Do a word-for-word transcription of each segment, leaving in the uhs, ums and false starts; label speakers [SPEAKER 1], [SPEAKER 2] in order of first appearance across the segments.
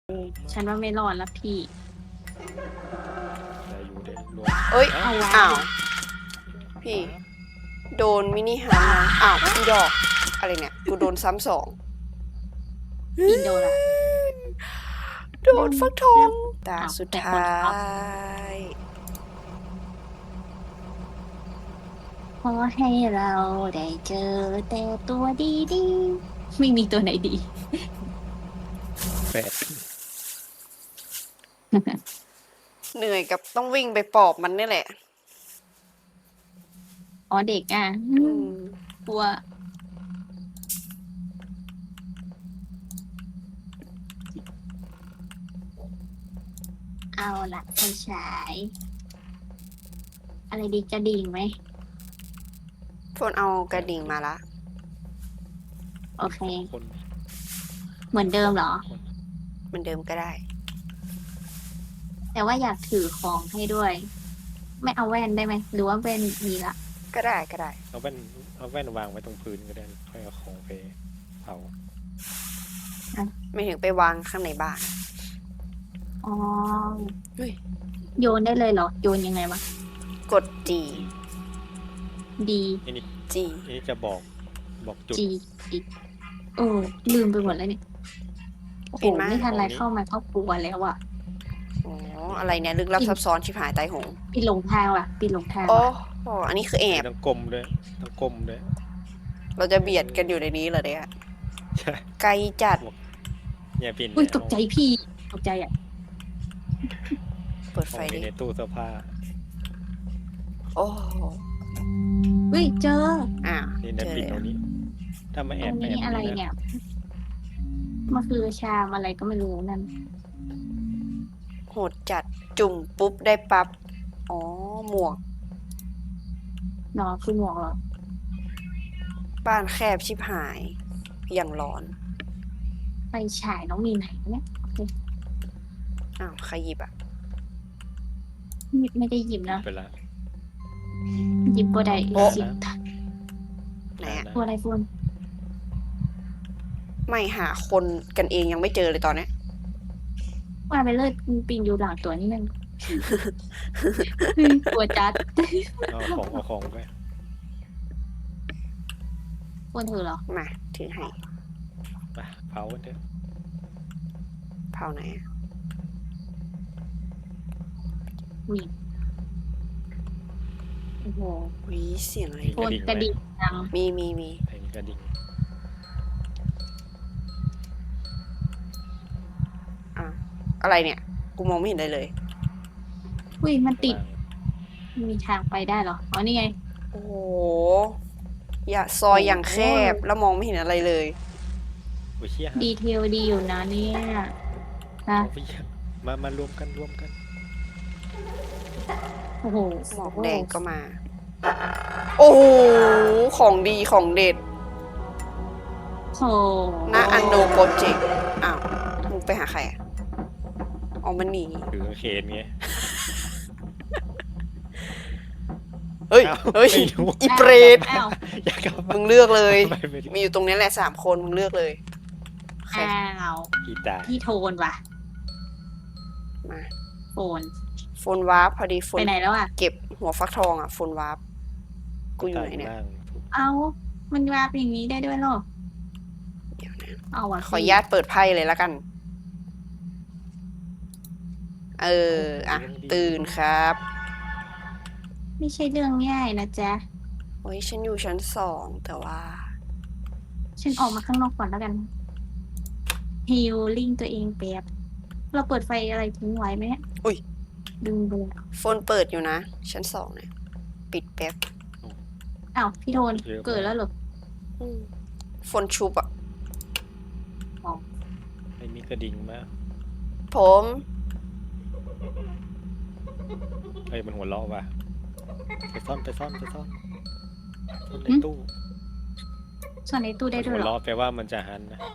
[SPEAKER 1] ฉันว่าไม่รอดแล้วพี่
[SPEAKER 2] ได้อยู่ได้รวม
[SPEAKER 3] เอ้ย
[SPEAKER 1] เอาวะ
[SPEAKER 3] อ้าว พี่ โดนมินิฮาร์ดนะอ้าวพี่ดอก อะไรเนี่ย กูโดนซ้ำสอง
[SPEAKER 1] พี่โดนละ
[SPEAKER 3] โดนฟักทองตา
[SPEAKER 1] อ้าว
[SPEAKER 3] สุด
[SPEAKER 1] แต่
[SPEAKER 3] ท้
[SPEAKER 1] คนท็อป
[SPEAKER 3] าย
[SPEAKER 1] ขอให้เราได้เจอแต่ตัวดีๆไม่มีตัวไหนดี
[SPEAKER 2] แปด
[SPEAKER 3] เหนื่อยกับต้องวิ่งไปปอบมันนี่แหละ
[SPEAKER 1] อ๋อเด็กอ่ะ
[SPEAKER 3] อืม
[SPEAKER 1] กลัวเอาละไฟฉาย อะไรดีกระดิ่งไหม
[SPEAKER 3] พวกเอากระดิ่งมาละ
[SPEAKER 1] โอเค
[SPEAKER 2] คน
[SPEAKER 1] เหมือนเดิมเหรอ
[SPEAKER 2] คน
[SPEAKER 3] เหมือนเดิมก็ได้
[SPEAKER 1] แต่ว่าอยากถือของให้ด้วย ไม่เอาแว่นได้ไหม หรือว่าแว่นมีละ
[SPEAKER 3] ก็ได้ก็ได้
[SPEAKER 2] เอาแว่นเอาแว่นวางไว้ตรงพื้นก็ได้ค่อยเอาของไปเผา
[SPEAKER 3] ไม่ถึงไปวางข้างในบ้าน
[SPEAKER 1] อ๋อ
[SPEAKER 3] เฮ้ย
[SPEAKER 1] โยนได้เลยเหรอ โยนยังไงวะ
[SPEAKER 3] กด G
[SPEAKER 1] ดี
[SPEAKER 2] อันนี้
[SPEAKER 3] G
[SPEAKER 2] อันนี้จะบอกบอกจุด
[SPEAKER 1] จีอีกเออลืมไปหมดแล้วเนี่ยโอ้โห
[SPEAKER 3] เห็นไหม
[SPEAKER 1] ไม่ทันไร
[SPEAKER 2] ของนี้
[SPEAKER 1] เข้ามาก็กลัวแล้วอ่ะ
[SPEAKER 3] อ๋อ อะไรเนี่ย ลึกลับซับซ้อนชิบหายตายโหง
[SPEAKER 1] ปีหลงทางว่ะปีหลงทาง
[SPEAKER 3] โอ้
[SPEAKER 1] ว่ะ
[SPEAKER 3] โหอันนี้คือแอบ
[SPEAKER 2] ต้องกลมด้วยต้องกลมด้วย
[SPEAKER 3] เราจะเบียดกันอยู่ในนี้เหรอเนี่ย
[SPEAKER 2] ใช่
[SPEAKER 3] ไกลจัด
[SPEAKER 2] อย่าปิ่น
[SPEAKER 1] อุ้ยตกใจพี่ตกใจอ่ะ
[SPEAKER 3] เปิด
[SPEAKER 2] ข
[SPEAKER 3] ไฟ
[SPEAKER 2] อง
[SPEAKER 3] ดิ
[SPEAKER 2] มีในตู้เสื้อผ้า
[SPEAKER 3] โอ้
[SPEAKER 1] เฮ้ยเจอ
[SPEAKER 3] อ่า
[SPEAKER 2] นี่นะ
[SPEAKER 3] เจอ
[SPEAKER 2] ปิ่น
[SPEAKER 3] แล้
[SPEAKER 2] ตร
[SPEAKER 3] ว
[SPEAKER 2] งนี้ ถ้ามา
[SPEAKER 1] ต
[SPEAKER 2] แอ
[SPEAKER 1] ร
[SPEAKER 2] บ
[SPEAKER 1] ง
[SPEAKER 2] แอ
[SPEAKER 1] นี้
[SPEAKER 2] บ
[SPEAKER 1] อะไร
[SPEAKER 2] นี่
[SPEAKER 1] เนี่
[SPEAKER 2] นะ
[SPEAKER 1] ยมันคือชามอะไรก็ไม่รู้นั่น
[SPEAKER 3] โหดจัดจุ่มปุ๊บได้ปั๊บ อ๋อ หมวก
[SPEAKER 1] เนาะคือหมวกเหรอ
[SPEAKER 3] บ้านแคบชิบหาย อย่างร้อน
[SPEAKER 1] ไฟฉายน้องมีไหนวะเนี่ย
[SPEAKER 3] อ้าว ใครหยิบอ่ะ
[SPEAKER 1] ไม่ไม่ได้หยิบนะ
[SPEAKER 2] ไปละ
[SPEAKER 1] หยิบบัวใด
[SPEAKER 3] โอ๊ะ
[SPEAKER 1] หยิบ
[SPEAKER 3] ไหนอะ
[SPEAKER 1] บัวอะไรฟูน
[SPEAKER 3] ไม่หาคนกันเองยังไม่เจอเลยตอนเนี้ย
[SPEAKER 1] ว่าไปเลยปีนอยู่หลังตัวนี่มัน ตัวจัด
[SPEAKER 2] เอาของเอาของไป
[SPEAKER 1] ฟูนเธอเหรอ
[SPEAKER 3] มา ถือให้
[SPEAKER 2] ไปเผากันเถอะ
[SPEAKER 3] เผาไหนอะ
[SPEAKER 1] มีโอ้โห
[SPEAKER 3] วิเสียงอะไร
[SPEAKER 1] โฟนกระดิ่งดัง
[SPEAKER 3] มีมีมี
[SPEAKER 2] เพลงกระดิ่ง
[SPEAKER 3] อ่ะอะไรเนี่ย กูมองไม่เห็นเลยเลย
[SPEAKER 1] อุ้ยมันติด
[SPEAKER 2] วาง
[SPEAKER 1] มีทางไปได้เหรอ อ๋อ นี่ไง
[SPEAKER 3] โอ้โห อย่าซอยอย่างแคบ แล้วมองไม่เห็นอะไรเลย
[SPEAKER 2] อุ้ยเชี่ย
[SPEAKER 1] ดีเทลดีอยู่นะเนี่ยนะ
[SPEAKER 2] เอาไปเชี่ยมามารวมกันรวมกัน
[SPEAKER 1] โอ้โห
[SPEAKER 3] หมอกแดงก็มา โอ้โห ของดีของเด็ด
[SPEAKER 1] โอ้โห
[SPEAKER 3] หน้าอันโนโปรเจกต์ อ้าว มึงไปหาใครอ่ะอ๋อมันหนี
[SPEAKER 2] ถือกางเขนไง
[SPEAKER 3] เฮ้ย
[SPEAKER 2] อ้าว
[SPEAKER 3] เฮ้ย
[SPEAKER 2] ไม่รู้
[SPEAKER 3] อีเปรต
[SPEAKER 1] อ้าว
[SPEAKER 2] อยากกลับบ้า
[SPEAKER 3] มึ
[SPEAKER 2] น
[SPEAKER 3] งเลือกเลย
[SPEAKER 2] ไม่ไม่รู้
[SPEAKER 3] มีอยู่ตรงนี้แหละสามคน มึงเลือกเลยใคร
[SPEAKER 1] อ้าว
[SPEAKER 2] กีตาร์
[SPEAKER 1] พี่โทนว่ะ
[SPEAKER 3] มา
[SPEAKER 1] โฟน
[SPEAKER 3] โฟนวาร์ปพอดีโฟ
[SPEAKER 1] ไป
[SPEAKER 3] น
[SPEAKER 1] ไหนแล้วอ่ะ
[SPEAKER 3] เก็บหัวฟักทองอ่ะ โฟนวาร์ปกูอยู่ไหนเนี่ย
[SPEAKER 2] ล่าง
[SPEAKER 1] เอา มันวาบอย่างนี้ได้ด้วยเหรอ
[SPEAKER 3] เดี๋ยวนะ
[SPEAKER 1] เอาอ่ะ
[SPEAKER 3] ขออนุญาตเปิดไพ่เลยละกัน เออ อ่ะ ตื่นครับ
[SPEAKER 1] ไม่ใช่เรื่องง่ายนะจ๊ะ
[SPEAKER 3] โอ้ยฉันอยู่ชั้นสองแต่ว่า
[SPEAKER 1] ฉันออกมาข้างนอกก่อนแล้วกันฮิลลิ่งตัวเองแป๊บ เราเปิดไฟอะไรทิ้งไว้ไหมเนี่ย
[SPEAKER 3] อุ๊ย
[SPEAKER 1] ดึงดู
[SPEAKER 3] โฟนเปิดอยู่นะ ชั้นสองเนี่ย ปิดแป๊บ
[SPEAKER 1] อ้าวพี่โทนเกิดแล้วเหรอ
[SPEAKER 3] อืมโฟนชุบอ่ะ
[SPEAKER 2] ไม่มีกระดิ่งมา
[SPEAKER 3] ผม
[SPEAKER 2] เฮ้ยมันหัวเราะว่ะไปซ่อนไปซ่อนไปซ่อนซ่อนในตู้
[SPEAKER 1] ส่วนในตู้ได้
[SPEAKER 2] มัน
[SPEAKER 1] ด้ว
[SPEAKER 2] หั
[SPEAKER 1] ยวเหรอ
[SPEAKER 2] เราะแปลว่ามันจะหันนะ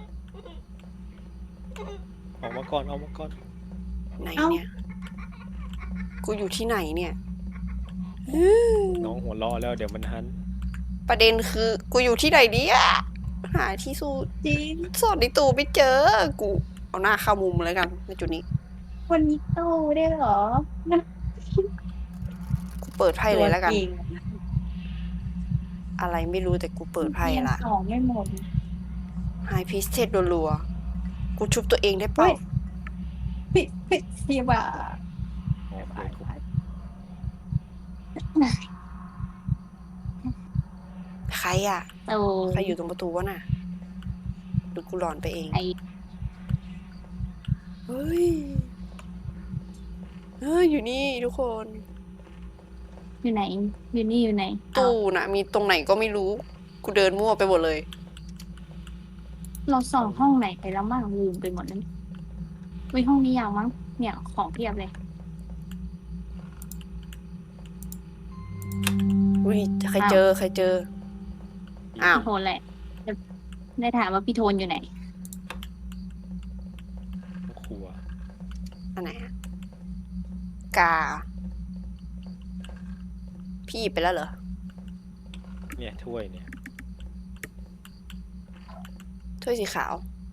[SPEAKER 2] ออกมาก่อนออกมาก่อน
[SPEAKER 3] ไหน
[SPEAKER 1] เอ้า
[SPEAKER 3] เนี่ย กูอยู่ที่ไหนเนี่ย
[SPEAKER 2] น้องหัวเราะแล้วเดี๋ยวมันหัน
[SPEAKER 3] ประเด็นคือ กูอยู่ที่ไหนเนี่ยหาที่สู
[SPEAKER 1] จริง
[SPEAKER 3] สอดในตู้ไม่เจอ กูเอาหน้าเข้ามุมเลยกันในจุดนี้
[SPEAKER 1] วันนี้โตได้เหรอ
[SPEAKER 3] กูเปิดไพ่เลยแล้วกัน
[SPEAKER 1] ตัวอง
[SPEAKER 3] อะไรไม่รู้แต่กูเปิดไพ่
[SPEAKER 1] เรียน
[SPEAKER 3] ละ
[SPEAKER 1] สองไม่หมด
[SPEAKER 3] ไฮพิสเทสรัวๆกูชุบตัวเองได้เปล่า
[SPEAKER 1] ปิดปิดเสียบ่า
[SPEAKER 2] อ๋อเปิดคุก
[SPEAKER 3] ใครอ่ะ
[SPEAKER 1] โต
[SPEAKER 3] ใครอยู่ตรงประตูวะน่ะหรือกูหลอนไปเอง
[SPEAKER 1] ไอ
[SPEAKER 3] เฮ้ยเฮ้ยอยู่นี่ทุกคน
[SPEAKER 1] อยู่ไหน อยู่นี่อยู่ไหน
[SPEAKER 3] ตู้น่ะ มีตรงไหนก็ไม่รู้ กูเดินมั่วไปหมดเลย
[SPEAKER 1] เราส่องห้องไหนไปแล้วมั่งลืมไปหมดแล้ววิห้องนี้ยาวมั้งเนี่ยของเพียบเลย
[SPEAKER 3] อุ้ยใครเจอใครเจอ อ้าว
[SPEAKER 1] พี่โทนแหละได้ถามว่าพี่โทนอยู่ไหน
[SPEAKER 2] ครัว
[SPEAKER 3] อันไหนอะกา พี่หยิบไปแล้วเหรอ
[SPEAKER 2] เนี่ยถ้วยเนี่ย
[SPEAKER 3] ถ้วยสีขาว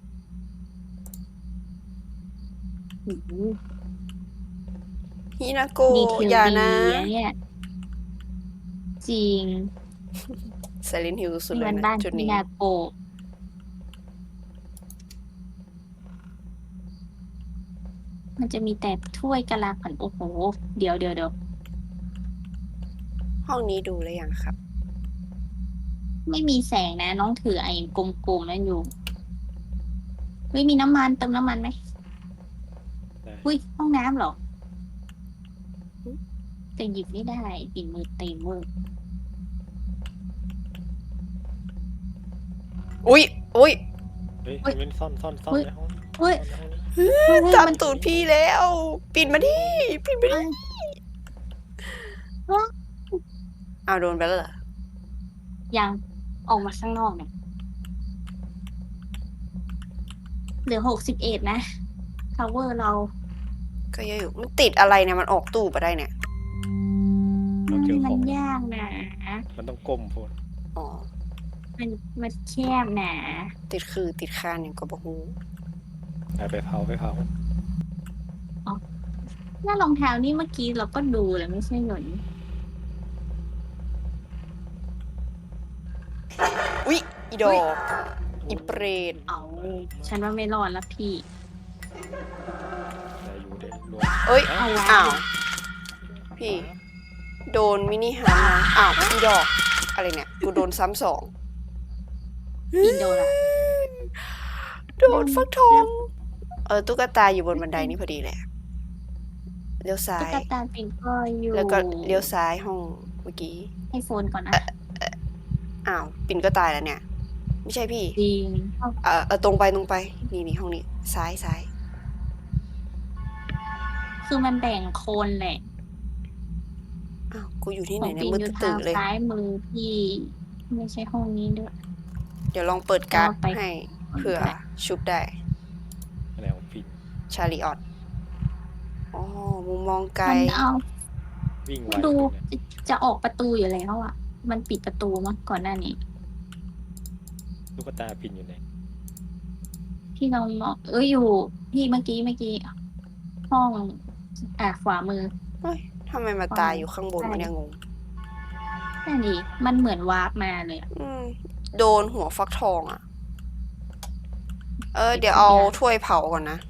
[SPEAKER 1] อืม
[SPEAKER 3] ฮินาโก
[SPEAKER 1] ดีเทล
[SPEAKER 3] อย่า
[SPEAKER 1] ดี
[SPEAKER 3] นะ
[SPEAKER 1] อะเนี่ย จริง
[SPEAKER 3] ไซเลนฮิลสุด
[SPEAKER 1] นี่
[SPEAKER 3] เล
[SPEAKER 1] มั
[SPEAKER 3] ย
[SPEAKER 1] น
[SPEAKER 3] นะ
[SPEAKER 1] บ้าน
[SPEAKER 3] จุด
[SPEAKER 1] พี่
[SPEAKER 3] นี้
[SPEAKER 1] นาโกะมันจะมีแต่ถ้วยกะลาขันโอ้โห เดี๋ยวเดี๋ยวเดี๋ยว
[SPEAKER 3] ห้องนี้ดูแล้วยังครับ
[SPEAKER 1] ไม่มีแสงนะ น้องถือไอ้กลมๆนั่นอยู่เฮ้ยมีน้ำมันเติมน้ำมันไหม
[SPEAKER 2] ได้
[SPEAKER 1] อุ้ยห้องน้ำเหรอ
[SPEAKER 3] หึ
[SPEAKER 1] แต่หยิบไม่ได้ปิดมือเต็มเวอร์
[SPEAKER 3] อุ้ยอุ้ย
[SPEAKER 2] เฮ้ย
[SPEAKER 1] เฮ้ย
[SPEAKER 2] มันซ่อนซ่อนซ่อน
[SPEAKER 1] เฮ้ย
[SPEAKER 2] ในห้อง
[SPEAKER 1] เฮ้ย
[SPEAKER 2] ซ่อนในห้องนี้
[SPEAKER 1] เฮ้ย
[SPEAKER 3] ตาม
[SPEAKER 1] มัน
[SPEAKER 3] ตูดพี่แล้ว ปิดมาดิปิดมาดิ
[SPEAKER 1] เฮ้ย
[SPEAKER 3] เอาโดนไปแล้วเหรอ
[SPEAKER 1] ยังออกมาข้างนอกเนี่ยเหลือหกสิบเอ็ดนะ cover เรา
[SPEAKER 3] ก็เยอะอยู่ มันติดอะไรเนี่ย มันออกตู้ไปได้เนี่ย
[SPEAKER 2] เราเจอ
[SPEAKER 1] มั
[SPEAKER 2] ข
[SPEAKER 1] น
[SPEAKER 2] อง
[SPEAKER 1] ยากนะ
[SPEAKER 2] มันต้องก้มโพด
[SPEAKER 3] อ๋อ
[SPEAKER 1] มันมันแคบนะ
[SPEAKER 3] ติดคือติดคานอย่างกับบะฮู
[SPEAKER 2] ไปไปเผาไปเผา
[SPEAKER 1] หน้ารองเท้านี่เมื่อกี้เราก็ดูแล้วไม่ใช่หรอ
[SPEAKER 3] อุ้ยอีดอกอีเปรต
[SPEAKER 1] เอาฉันว่าไม่รอดแล้วพี่
[SPEAKER 2] ได้อยู่ได้รวม
[SPEAKER 3] เอ้ย
[SPEAKER 1] เอาวะ
[SPEAKER 3] อ้าว พี่ โดนมินิฮาร์ทอ้าวอีดอก อะไรเนี่ย กูโดนซ้ำสอง
[SPEAKER 1] อินโดละ
[SPEAKER 3] โดนฟักทอง เออ ตุ๊กตาอยู่บนบันไดนี่พอดีแหละ เลี้ยวซ้า
[SPEAKER 1] ตุ๊
[SPEAKER 3] ย
[SPEAKER 1] กตาเป็นก็อยู่
[SPEAKER 3] แล้วก็เลี้ยวซ้ายห้องเมื่อกี้
[SPEAKER 1] ให้โฟนก่อนนะ
[SPEAKER 3] อ้าว ปิ่นก็ตายแล้วเนี่ย ไม่ใช่พี่
[SPEAKER 1] จริงเอา
[SPEAKER 3] เออเออตรงไปตรงไป นี่นี่ห้องนี้ ซ้ายซ้าย
[SPEAKER 1] คือมันแบ่งโคนแหละ
[SPEAKER 3] อ้าว กูอยู่ที่
[SPEAKER 1] ข
[SPEAKER 3] ไหน
[SPEAKER 1] อง
[SPEAKER 3] เนี่ย
[SPEAKER 1] ปิง
[SPEAKER 3] มืด
[SPEAKER 1] อยู่
[SPEAKER 3] ตื่
[SPEAKER 1] ทาน ง
[SPEAKER 3] เลย
[SPEAKER 1] ซ้ายมือพี่ ไม่ใช่ห้องนี้ด้วย
[SPEAKER 3] เดี๋ยวลองเปิดการ์ด
[SPEAKER 1] เอาไป
[SPEAKER 3] ให้เผื่อชุบได้
[SPEAKER 2] อะไรของฟิน
[SPEAKER 3] ชาลีออตอ๋อ มุมมองไกล
[SPEAKER 1] มันเอา
[SPEAKER 2] วิ่งไว
[SPEAKER 1] ดู
[SPEAKER 2] เนี่ย
[SPEAKER 1] จะออกประตูอยู่แล้วอ่ะ มันปิดประตูมั้งก่อนหน้านี้
[SPEAKER 2] ลูกตาพินอยู่ไหน
[SPEAKER 1] พี่ลองมองเอ้ยอยู่ พี่เมื่อกี้เมื่อกี้ ห้องอ่ะขวามือ
[SPEAKER 3] เฮ้ยทำไมมาตายอยู่ข้างบน
[SPEAKER 1] ใช่
[SPEAKER 3] วะเนี่ยงง
[SPEAKER 1] นั่นดิมันเหมือนวาร์ปมาเลยอะ
[SPEAKER 3] อืม โดนหัวฟักทองอ่ะ เออ เดี๋ยวเอาถ้วยเผาก่อนนะ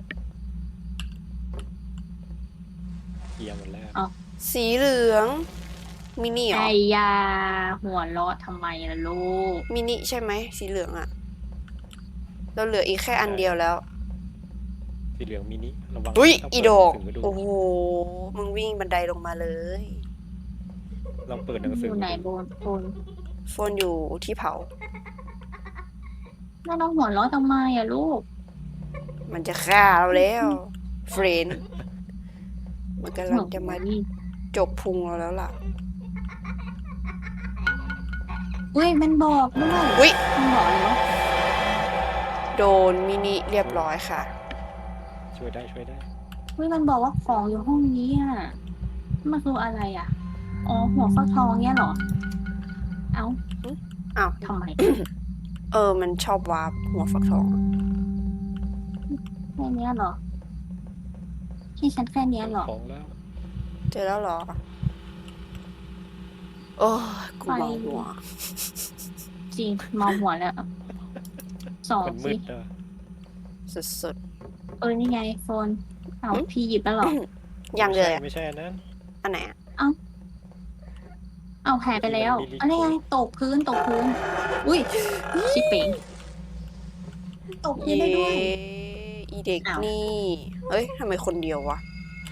[SPEAKER 2] เคลียร์หมดแล้ว
[SPEAKER 3] สีเหลือง มินิเหรอ
[SPEAKER 1] ไอ้ยาหัวเราะทำไมล่ะลูก
[SPEAKER 3] มินิใช่ไหม สีเหลืองอ่ะ เราเหลืออีกแค่อันเดียวแล้ว
[SPEAKER 2] สีเหลืองมินิระวัง
[SPEAKER 3] อุ้ย
[SPEAKER 2] ถ้า
[SPEAKER 3] อี
[SPEAKER 2] เปิ
[SPEAKER 3] ดอก
[SPEAKER 2] หนังสืดู
[SPEAKER 3] โอ้โห มึงวิ่งบันไดลงมาเลย
[SPEAKER 2] ลองเปิดหนังสื
[SPEAKER 1] อ
[SPEAKER 2] อยู่
[SPEAKER 1] ไหน
[SPEAKER 2] ดู
[SPEAKER 1] โบนโบน
[SPEAKER 3] โฟนอยู่ที่เผา
[SPEAKER 1] แล้วน้องหัวเราะทำไมอะลูก
[SPEAKER 3] มันจะฆ่าเราแล้วเฟรนมันกำลังจะมาจกพุงเราแล้วล่ะ
[SPEAKER 1] อุ้ยมันบอกด้วย
[SPEAKER 3] อุ้ย
[SPEAKER 1] มันบอกเลยว่า
[SPEAKER 3] โดนมินิเรียบร้อยค่ะ
[SPEAKER 2] ช่วยได้ช่วยได้
[SPEAKER 1] อุ้ยมันบอกว่าของอยู่ห้องนี้อ่ะมันคืออะไรอ่ะ อ๋อหัวฟักทองเนี่ยเหรอ เอ้า
[SPEAKER 3] อ้าว
[SPEAKER 1] ทำไม
[SPEAKER 3] เออ มันชอบวาร์ปหัวฟักทองอะ
[SPEAKER 1] ค่เนี้ยเหรอที่ฉันแค่เนี้ยเหรอ
[SPEAKER 2] ของแล้ว
[SPEAKER 3] เจอแล้วเหรอ โอ้ยกูเมาหัว
[SPEAKER 1] จริงเมาหัวแล้วสอง
[SPEAKER 2] มันมื
[SPEAKER 1] สิ
[SPEAKER 2] ดอะ
[SPEAKER 3] สุด
[SPEAKER 1] เออนี่ไงโฟนเอา
[SPEAKER 3] หึ
[SPEAKER 1] พี่หยิบแล้วเหรอ
[SPEAKER 3] ๆยังเลย
[SPEAKER 2] ไม่ใช่ไม่ใช่อันนั้น
[SPEAKER 3] อันไหนอะ
[SPEAKER 1] เอาหายไปแล้ว
[SPEAKER 2] มันมีลิงก์
[SPEAKER 1] อันนี้ไงตกพื้นตกพื้น อุ้ยชิบเป๋งตกพื้น
[SPEAKER 3] เย้
[SPEAKER 1] ได้ด้วย
[SPEAKER 3] อีเด็ก
[SPEAKER 1] อ้าว
[SPEAKER 3] นี่ เฮ้ยทำไมคนเดียววะ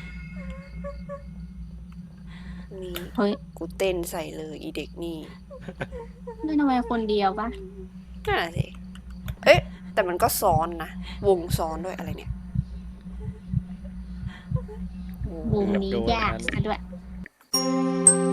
[SPEAKER 3] นี่
[SPEAKER 1] เฮ้ย
[SPEAKER 3] กูเต้นใส่เลยอีเด็กนี่
[SPEAKER 1] ไม่ทำไมคนเดียวปะ
[SPEAKER 3] นั่นแหละสิเอ๊ะ แต่มันก็ซ้อนนะ วงซ้อนด้วยอะไรเนี่ยโอ้
[SPEAKER 1] บูมนี้ยากซะด้วย
[SPEAKER 2] เ